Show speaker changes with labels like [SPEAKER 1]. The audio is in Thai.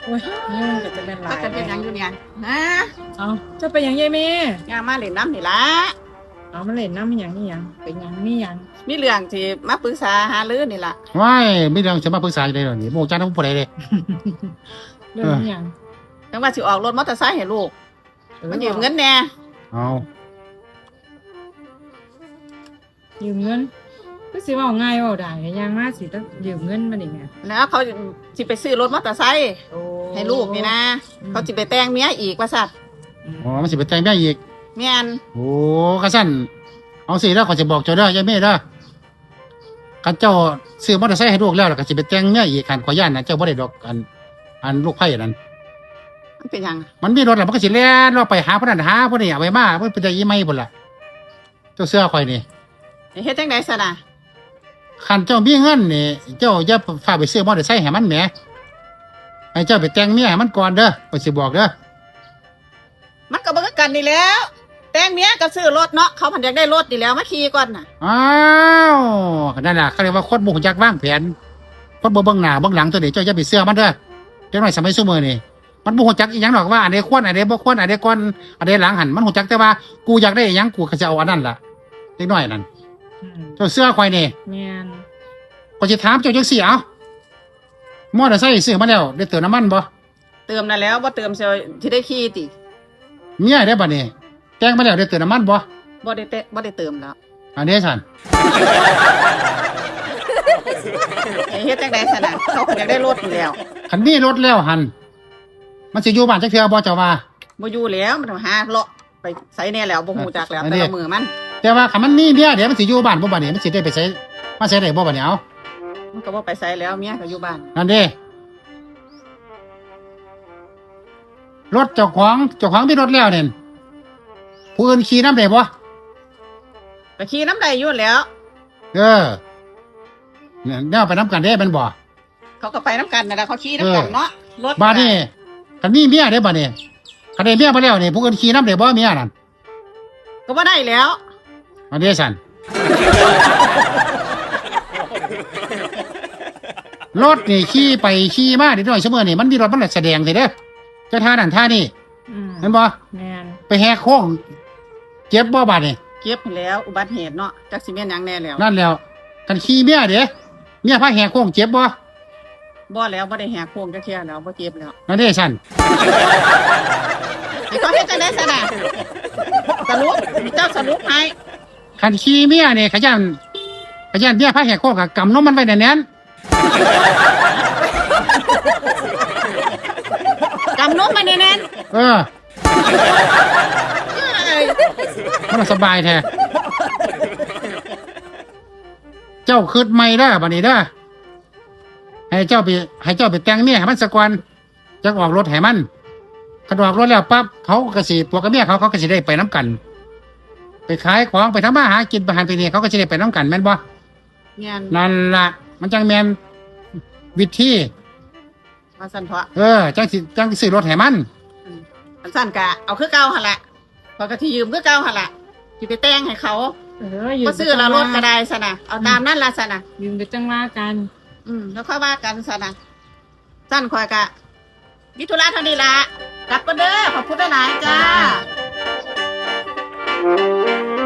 [SPEAKER 1] โอ้ยนี่มันก็จะเป็นหลา
[SPEAKER 2] ถ้าย กันเป็นหยังอยู่เนี่ยนะ
[SPEAKER 1] เอาจะไปหยังยายแม่
[SPEAKER 2] ย่ามาเล่นน้ำนี่ละ
[SPEAKER 1] เอามาเล่นน้ำมันหยังนี่หยังเป็นหยังนี่หยัง
[SPEAKER 2] มีเรื่องที่มาปรึกษาหารือนี่ล่ะ
[SPEAKER 3] ว้ายไม่ต้องจะมาปรึกษาอยู่เลยหรอนี่โมจ้าต้องพูดอะไรเลย
[SPEAKER 1] เรื่องนี่หยัง
[SPEAKER 2] จังว่าสิออกรถมอเตอร์ไซค์ให้ลูกมันยืมเงินแน่
[SPEAKER 3] เอา
[SPEAKER 1] ยืมเงินก็สิเว่าง่ายเว่าได้ยังมาสิต้องยืมเงินมาได้ไง
[SPEAKER 2] แล้วเขาสิไปซื้อรถมอเตอร์ไซค์
[SPEAKER 1] โอ้
[SPEAKER 2] ให้ลูกนี่นะเขาสิไปแต่งเมียอีกว่าสัตว์
[SPEAKER 3] อ๋อมันสิไปแต่งแม่อีก
[SPEAKER 2] แม่น
[SPEAKER 3] โอ้กระสั้นเอาสิแล้วขอจะบอกเจ้าเด้อยายเม่เด้อกันเจ้าซื้อมอเตอร์ไซค์ให้ลูกแล้วแล้วก็สิไปแต่งแม่อีกขันขอย่านนะเจ้าบ่ได้ดอกอันลูกไผ่นั่น
[SPEAKER 2] มันเป็นหยัง
[SPEAKER 3] มันมีรถแล้วมันก็สิแล่นเราไปหาพนันหาพวกนี้เอาไว้มาเพิ่นเป็นใจยี่ไม่พุ่นล่ะเจ้าเสื้อข่อยนี่
[SPEAKER 2] เฮ็ดจังได๋ซะน่ะ
[SPEAKER 3] คันเจ้ามีเงินนี่เจ้าอย่าฝากไปซื้อมอเตอร์ไซค์ให้มันแหมให้เจ้าไปแต่งเมียให้มันก่อนเด้อข่อยสิบอกเด้อ
[SPEAKER 2] มันก็บ่คือกันนี่แหล้ว แต่งเมียก็ซื้อรถเนาะเขาพันอยากได้รถนี่แล้วมาขี่ก่อนน่ะ
[SPEAKER 3] อ้าวนั่นน่ะเขาเรียกว่าคนบ่ฮู้จักวางแผนคนบ่เบิ่งหน้าเบิ่งหลังตัวนี้เจ้าอย่าไปเชื่อมันเด้อจังน้อยสมัยซุมื้อนี่มันบ่ฮู้จักอีหยังดอกว่าอันใดควรอันใดบ่ควรอันใดก่อนอันใดหลังหันมันฮู้จักแต่ว่ากูอยากได้อีหยังกูก็จะเอาอันนั้นล่ะเล็กน้อยนั่น
[SPEAKER 1] อืม
[SPEAKER 3] เจ้าเสื้อข่อยนี่
[SPEAKER 1] แม่น
[SPEAKER 3] ก็สิถามเจ้าจังซี่เอ้ามอเตอร์ไซค์ซื้อมาแล้วได้เติมน้ำมันบ่
[SPEAKER 2] เติมนั่นแล้วบ่เติมเสียสิได้ขี่ติ
[SPEAKER 3] เมียได้บัดนี้แต่งมาแล้วได้เติมน้ำมันบ่
[SPEAKER 2] บ่ได้เติมแล้ว
[SPEAKER 3] อันนี้ซั่น
[SPEAKER 2] เฮ็ดจังได๋ซะน่ะเขาพันอยากได้รถนี่แล้ว
[SPEAKER 3] คันมีรถแล้วหันมันสิอยู่บ้านจักเทื่อบ่เจ้าว่า
[SPEAKER 2] บ่อยู่แล้วมันต้องหาเลาะไปไสแน่แล้วบ่ฮู้จักแล้ว
[SPEAKER 3] อัน
[SPEAKER 2] แต่
[SPEAKER 3] นี้
[SPEAKER 2] ละมือมัน
[SPEAKER 3] แต่ว่าคันมันมีเมียเดี๋ยวมันสิอยู่บ้านบ่บัดนี้มันสิได้ไปใช้มาใช้ได้บ่บัดนี้เอา
[SPEAKER 2] มันก็บ่ไปไสแล้วเมียก็อยู่บ้าน
[SPEAKER 3] นั่นเด้รถเจ้าของมีรถแล้วเนี่ยผู้อื่นขี่นำได้บ่
[SPEAKER 2] ก็ขี่น้ำใดอยู่แล้ว
[SPEAKER 3] เออเนี่ยแนวไปนำกันได้แม่นบ่
[SPEAKER 2] เขาก็ไปน้ำกันนั่นแหละเขาขี่น้ำกันเนาะรถ
[SPEAKER 3] บัดนี้คันมีเมียได้บัดนี้คันได้เมียมาแล้วนี่ผู้อื่นขี่นำได้บ่เมียนั่น
[SPEAKER 2] ก็บ่ได้แล้ว
[SPEAKER 3] อันนี้ซั่นรถนี่ขี่ไปขี่มานิดหน่อยเสมอนี่มันมีรถมันแสดงสิเด้อจะท่านั่นท่านี่
[SPEAKER 1] อืม
[SPEAKER 3] เห็นบ่
[SPEAKER 1] แม่น
[SPEAKER 3] ไปแหกโค้งเจ็บบ่บาดนี่
[SPEAKER 2] เก็บแล้วอุบัติเหตุเนาะจักสิแม่นหยังแน่แล้ว
[SPEAKER 3] นั่นแล้วกันขี่เมียเด้เมียพาแหกโค้งเจ็บบ่
[SPEAKER 2] บ่แล้วบ่ได้แหกโค้งจักเที่ยแล้วบ่เจ็บแล้ว
[SPEAKER 3] นั่นเด้ซั่น
[SPEAKER 2] นี่เขาเฮ็ดจังได๋ซะน่ะสรุปเจ้าสรุปให้
[SPEAKER 3] คันขี่เมียนี่ขยันเมียพาแหกโค้งก็กำนมมันไว้แน่น
[SPEAKER 2] กำนมมาแน่น
[SPEAKER 3] ๆเออ
[SPEAKER 2] ๆเอ้ย
[SPEAKER 3] มันสบายแท้เจ้าคืดใหม่เด้อบัดนี้เด้อให้เจ้าไปแต่งเมียให้มันซะก่อนจักออกรถให้มันคันออกรถแล้วปั๊บเขาก็สิตัวกับเมียเขาก็สิได้ไปนํกัน ไปขายของไปทำมาหากินไปหันไปนี่เขาก็สิได้ไปนํกันแม่นบ่
[SPEAKER 2] แม่น
[SPEAKER 3] นั่นล่ะมันจังแม่นวิธี
[SPEAKER 2] ว่าซั่นเถาะ
[SPEAKER 3] จังสิซื้อรถให้มัน
[SPEAKER 2] อันซั่นก็เอาคือเก่าหั่นล่ะพอยก็สิยืมคือเก่าหั่นล่ะสิไปแต่งให้เขา
[SPEAKER 1] ยืม
[SPEAKER 2] บ่ซื้อละรถก็ได้ซะน่ะเอาตามนั้นล่ะซะน่ะ
[SPEAKER 1] ยืมไปจังว่ากัน
[SPEAKER 2] แล้วค่อยว่ากันซะนะสั้นคอยกะวิทุระเท่านี้ละกลับกันเด้อขอบคุณหลายๆจ้า